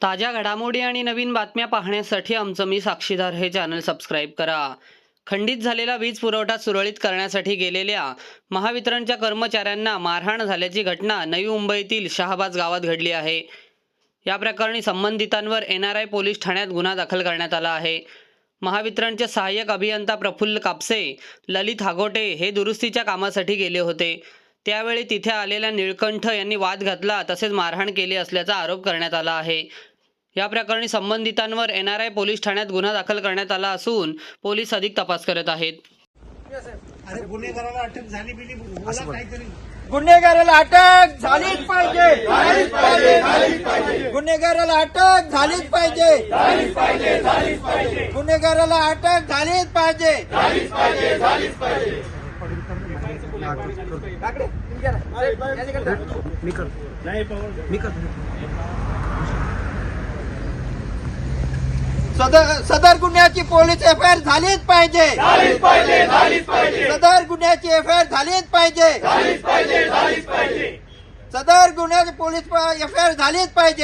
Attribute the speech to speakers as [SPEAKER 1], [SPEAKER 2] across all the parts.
[SPEAKER 1] ताज्या घडामोडी आणि नवीन बातम्या पाहण्यासाठी आमचं मी साक्षीदार हे चॅनल सबस्क्राईब करा। खंडित झालेला वीज पुरवठा सुरळीत करण्यासाठी गेलेल्या महावितरणच्या कर्मचाऱ्यांना मारहाण झाल्याची घटना नवी मुंबईतील शहाबाज गावात घडली आहे। या प्रकरणी संबंधितांवर NRI पोलीस ठाण्यात गुन्हा दाखल करण्यात आला आहे। महावितरणचे सहाय्यक अभियंता प्रफुल्ल कापसे, ललित हागोटे हे दुरुस्तीच्या कामासाठी गेले होते। त्यावेळी तिथे आलेल्या निळकंठ यांनी वाद घातला तसेच मारहाण केली असल्याचा आरोप करण्यात आला आहे। या प्रकरणी संबंधितांवर NRI पोलीस ठाण्यात गुन्हा दाखल करण्यात आला असून पोलीस अधिक तपास करत आहेत।
[SPEAKER 2] अरे गुन्हेगाराला अटक झाली बिली बोला काहीतरी
[SPEAKER 3] गुन्हेगाराला अटक झालीच पाहिजे, गुन्हेगाराला अटक झालीच पाहिजे, गुन्हेगाराला अटक झालीच पाहिजे। सदर गुन्ह्याची पोलीस FIR झालीच पाहिजे, सदर गुन्ह्याची FIR झालीच पाहिजे, सदर गुन्ह्याची पोलीस FIR झालीच पाहिजे।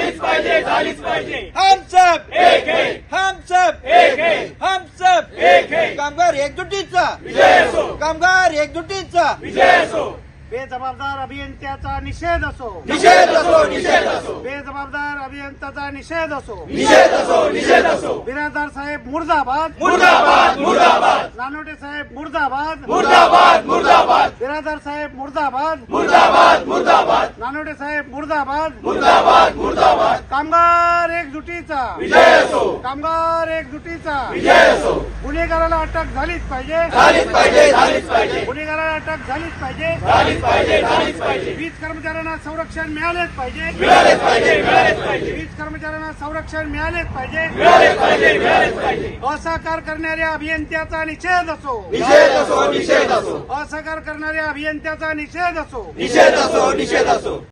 [SPEAKER 3] हम सब एक है, हम सब एक है, हम सब एक है। कामगार एकजुटीचा विजय असो, कामगार एकजुटीचा विजय असो।
[SPEAKER 2] बेजबाबदार अभियंत्याचा निषेध असो,
[SPEAKER 3] निषेध असो, निषेध असो,
[SPEAKER 2] बेजबाबदार अभियंत्याचा निषेध असो,
[SPEAKER 3] निषेध असो, निषेध असो।
[SPEAKER 2] बिराजदार साहेब मुर्दाबाद,
[SPEAKER 3] मुर्दाबाद, मुर्दाबाद,
[SPEAKER 2] नानोटे साहेब मुर्दाबाद,
[SPEAKER 3] मुर्दाबाद, मुर्दाबाद,
[SPEAKER 2] बिराजदार साहेब मुर्दाबाद,
[SPEAKER 3] मुर्दाबाद, मुर्दाबाद,
[SPEAKER 2] नानोटे साहेब मुर्दाबाद,
[SPEAKER 3] मुर्दाबाद, मुर्दाबाद।
[SPEAKER 2] कामगार एकजुटीचा
[SPEAKER 3] विजय असो,
[SPEAKER 2] कामगार एकजुटीचा
[SPEAKER 3] विजय असो।
[SPEAKER 2] गुन्हेगाराला अटक झालीच पाहिजे,
[SPEAKER 3] झालीच पाहिजे, झालीच पाहिजे,
[SPEAKER 2] गुन्हेगाराला अटक झालीच पाहिजे,
[SPEAKER 3] झालीच पाहिजे, झालीच पाहिजे।
[SPEAKER 2] वीज कर्मचाऱ्यांना संरक्षण मिळालेच पाहिजे,
[SPEAKER 3] मिळालेच पाहिजे, मिळालेच पाहिजे,
[SPEAKER 2] वीज कर्मचाऱ्यांना संरक्षण मिळालेच पाहिजे।
[SPEAKER 3] मिळालेच पाहिजे, मिळालेच पाहिजे।
[SPEAKER 2] असहकार करणाऱ्या अभियंत्याचा निषेध असो,
[SPEAKER 3] निषेध असो, निषेध असो,
[SPEAKER 2] असहकार करणाऱ्या अभियंत्याचा निषेध असो,
[SPEAKER 3] निषेध असो, निषेध असो।